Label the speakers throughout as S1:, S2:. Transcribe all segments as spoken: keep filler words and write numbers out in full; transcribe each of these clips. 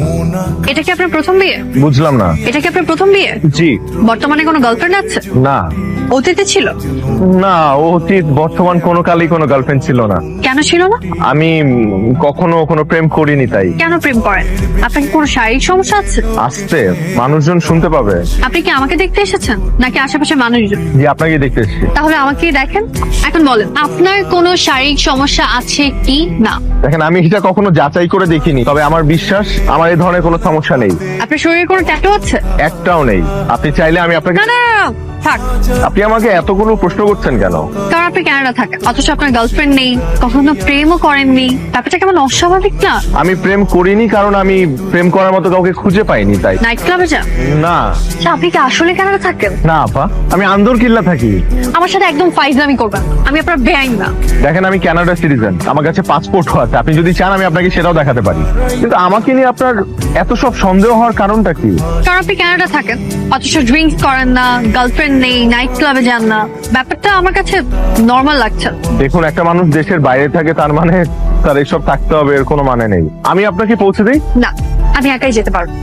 S1: এটা কি আপনার প্রথম বিয়ে?
S2: বুঝলাম না।
S1: এটা কি আপনার প্রথম বিয়ে?
S2: জি।
S1: বর্তমানে কোনো গার্লফ্রেন্ড আছে?
S2: না।
S1: অতীতে ছিল?
S2: না, অতীত বর্তমান কোনো কালেই কোনো গার্লফ্রেন্ড ছিল না।
S1: কেন ছিল না?
S2: আমি কখনো কোনো প্রেম করিনি তাই।
S1: কেন প্রেম করেন? আপনার কি কোনো শারীরিক সমস্যা আছে?
S2: আসতে মানুষজন শুনতে পাবে।
S1: আপনি কি আমাকে দেখতে এসেছেন নাকি আশেপাশে মানুষজন?
S2: জি, আপনাকে দেখতে এসেছি।
S1: তাহলে আমাকে দেখেন। এখন বলেন আপনার কোনো শারীরিক সমস্যা আছে কি না?
S2: দেখেন, আমি এটা কখনো যাচাই করে দেখিনি, তবে আমার বিশ্বাস আমার এই ধরনের কোনো সমস্যা নেই।
S1: আপনার শরীরে কোনো ট্যাটু আছে?
S2: একটাও নেই। আপনি চাইলে আমি আপনাকে।
S1: না না না, থাক।
S2: আপনি আমাকে এতগুলো প্রশ্ন করছেন কেন?
S1: কারণ আপনি কানাডা থাকেন, অথচ আপনার গার্লফ্রেন্ড নেই, কখনো প্রেমও করেননি। ব্যাপারটা কেমন অস্বাভাবিক না?
S2: আমি প্রেম করিনি কারণ আমি প্রেম করার মতো কাউকে খুঁজে পাইনি তাই।
S1: নাইট ক্লাবে যান?
S2: না।
S1: আচ্ছা, আপনি কি আসলে কানাডা থাকেন?
S2: না আপা, আমি আন্দর কিল্লা থাকি।
S1: আমার সাথে একদম ফাইজলামি করবেন, আমি আপনার বেআইন না।
S2: দেখেন, আমি কানাডা সিটিজেন, আমার কাছে পাসপোর্টও আছে। আপনি যদি চান আমি আপনাকে সেটাও দেখাতে পারি। কিন্তু আমাকে নিয়ে আপনার এত সব সন্দেহ হওয়ার কারণটা কি?
S1: কারণ আপনি কানাডা থাকেন, অথচ ড্রিঙ্কস করেন না, গার্লফ্রেন্ড নেই, নাইট ক্লাবে যান না। ব্যাপারটা আমার কাছে নর্মাল লাগছে।
S2: দেখুন, একটা মানুষ দেশের বাইরে থাকে তার মানে তার এসব থাকতে হবে এর কোনো মানে নেই। আমি আপনাকে পৌঁছে দিই?
S1: না, আমি একাই যেতে পারবো।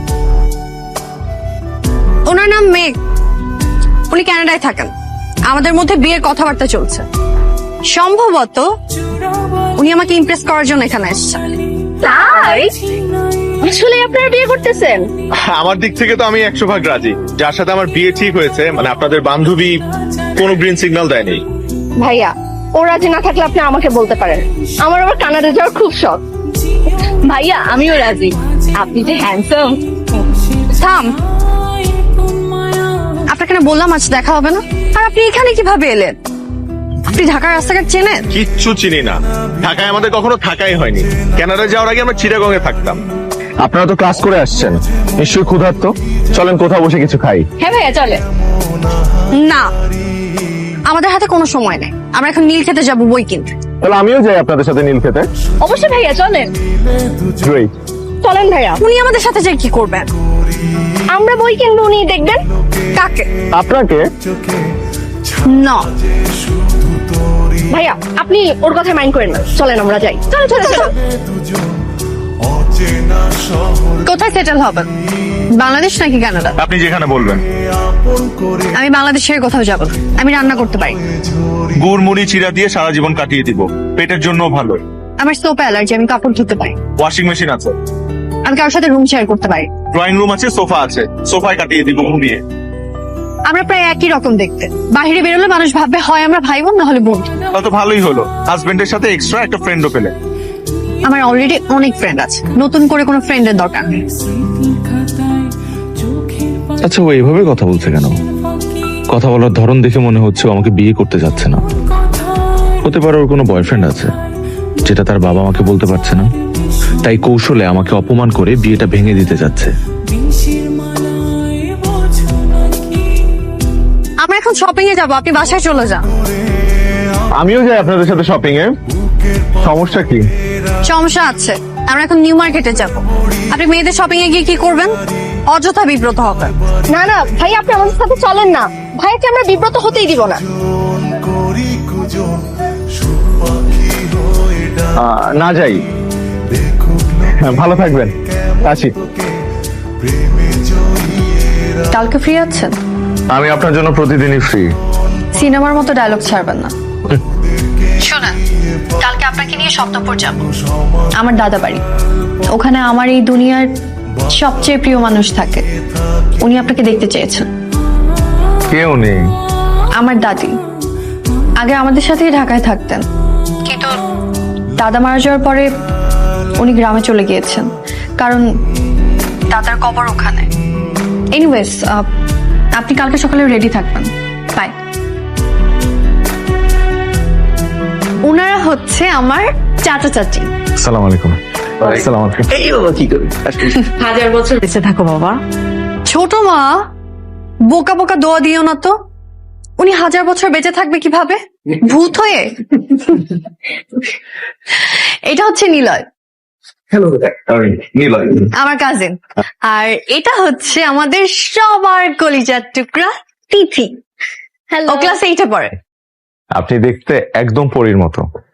S1: ওনার নাম মেঘ, উনি কানাডায় থাকেন। আমাদের মধ্যে বিয়ের কথাবার্তা চলছে। সম্ভবত উনি আমাকে ইমপ্রেস করার জন্য এখানে এসেছেন। তাই আসলে আপনারা বিয়ে করতেছেন?
S2: আমার দিক থেকে তো আমি একশো ভাগ রাজি। যার সাথে আমার বিয়ে ঠিক হয়েছে, মানে আপনাদের বান্ধবী কোনো গ্রিন সিগন্যাল দেয়নি।
S3: ভাইয়া, ও রাজি না থাকলে আপনি আমাকে বলতে পারেন। আমার আবার কানাডা যাওয়ার খুব শখ। ভাইয়া, আমিও রাজি। আপনি যে হ্যান্ডসাম।
S1: থাম, আপনাকে না বললাম আজ দেখা হবে না? আর আপনি এখানে কিভাবে এলেন? আপনি ঢাকার রাস্তাঘাট চেনেন?
S2: কিচ্ছু চিনি না। ঢাকায় আমাদের কখনো থাকাই হয়নি। কানাডা যাওয়ার আগে আমরা চিটাগং এ থাকতাম। আপনারা তো ক্লাস করে আসছেন, নিশ্চয়ই ক্ষুধার্ত। চলেন কোথাও বসে কিছু খাই।
S3: হ্যাঁ ভাইয়া, চলে।
S1: না, আমাদের হাতে কোনো সময় নেই। আমরা এখন নীল খেতে যাবো বই কিনতে।
S2: তাহলে আমিও যাই আপনাদের সাথে নীল খেতে।
S3: অবশ্যই ভাইয়া, চলেন।
S2: Great.
S3: চলেন ভাইয়া।
S1: উনি আমাদের সাথে যাই কি করবেন?
S3: আমরা বই কিনবো, উনি দেখবেন।
S1: কাকে?
S2: আপনাকে?
S1: না
S3: ভাইয়া, আপনি ওর কথা মাইন্ড করেন না। চলেন আমরা যাই। চলো চলো চলো।
S1: কোথায় সেটেল হবেন? বাংলাদেশ নাকি কানাডা?
S2: আপনি যেখানে বলবেন।
S1: আমি বাংলাদেশের কোথাও যাব না। আমি রান্না করতে পারি।
S2: গুড় মুড়ি চিরা দিয়ে সারা জীবন কাটিয়ে দিব, পেটের জন্য ভালো।
S1: আমার সোপ অ্যালার্জি, আমি কাপড় ধুতে পারি।
S2: ওয়াশিং মেশিন আছে।
S1: আমি কারোর সাথে রুম শেয়ার করতে পারি।
S2: ড্রয়িং রুম আছে, সোফা আছে, সোফায় কাটিয়ে দিব ঘুমিয়ে।
S1: আমরা প্রায় একই রকম দেখতে। বাইরে বেরোলে মানুষ ভাববে হয় আমরা ভাই বোন, না হলে বন্ধু।
S2: তা তো ভালোই হলো, হাজবেন্ডের সাথে এক্সট্রা একটা ফ্রেন্ডও পেলে।
S1: আমার অলরেডি অনেক ফ্রেন্ড আছে, নতুন করে কোনো ফ্রেন্ডের দরকার নেই।
S4: আচ্ছা, ও এইভাবে কথা বলছে কেন? কথা বলার ধরন দেখে মনে হচ্ছে ও আমাকে বিয়ে করতে যাচ্ছে না। হতে পারে ওর কোনো বয়ফ্রেন্ড আছে, যেটা তার বাবা আমাকে বলতে পারছে না, তাই কৌশলে আমাকে অপমান করে বিয়েটা ভেঙে দিতে যাচ্ছে।
S1: আমরা এখন শপিং এ যাবো, আপনি বাসায় চলে যান।
S2: আমিও যাই আপনাদের সাথে শপিং এ। সমস্যা কি?
S1: সমস্যা আছে, আমরা এখন নিউ মার্কেটে যাব। আপনি মেয়েদের শপিং এ গিয়ে কি করবেন? অযথা বিব্রত হবেন।
S3: না না ভাই, আপনি আমাদের সাথে চলেন না। ভাইয়াকে আমরা বিব্রত হতেই দিব না।
S2: আহ, না যাই। হ্যাঁ, ভালো থাকবেন, আসি।
S1: কালকে ফ্রি আছেন?
S2: আমি আপনার জন্য প্রতিদিনই ফ্রি।
S1: সিনেমার মতো ডায়লগ ছাড়বেন না। শোনেন, কালকে আপনাকে নিয়ে স্বপ্নপুর যাব, আমার দাদা বাড়ি। ওখানে আমার এই দুনিয়ার সবচেয়ে প্রিয় মানুষ থাকে। উনি আপনাকে দেখতে চেয়েছেন।
S2: কেউ নেই।
S1: আমার দাদি আগে আমাদের সাথেই ঢাকায় থাকতেন, কিন্তু দাদা মারা যাওয়ার পরে উনি গ্রামে চলে গিয়েছেন, কারণ দাদার কবর ওখানে। এনিওয়েজ, আপনি কালকে সকালে রেডি থাকবেন। বাই। ওনারা হচ্ছে আমার চাচা চাচি।
S2: আসসালামু আলাইকুম। আসসালামু আলাইকুম।
S5: এই বাবা, কি করবি?
S3: হাজার বছর
S1: বেঁচে থাকো বাবা। ছোট মা, বোকা বোকা দোয়া দিও না তো। উনি হাজার বছর বেঁচে থাকবে কিভাবে? ভূত হয়ে? এটা হচ্ছে নিলয়,
S5: হ্যালো,
S2: নিলয়
S1: আমার কাজিন। আর এটা হচ্ছে আমাদের সবার কলিজার টুকরা তিথি। ও ক্লাস এইটে পড়ে।
S2: আপনি দেখতে একদম পরীর মতো।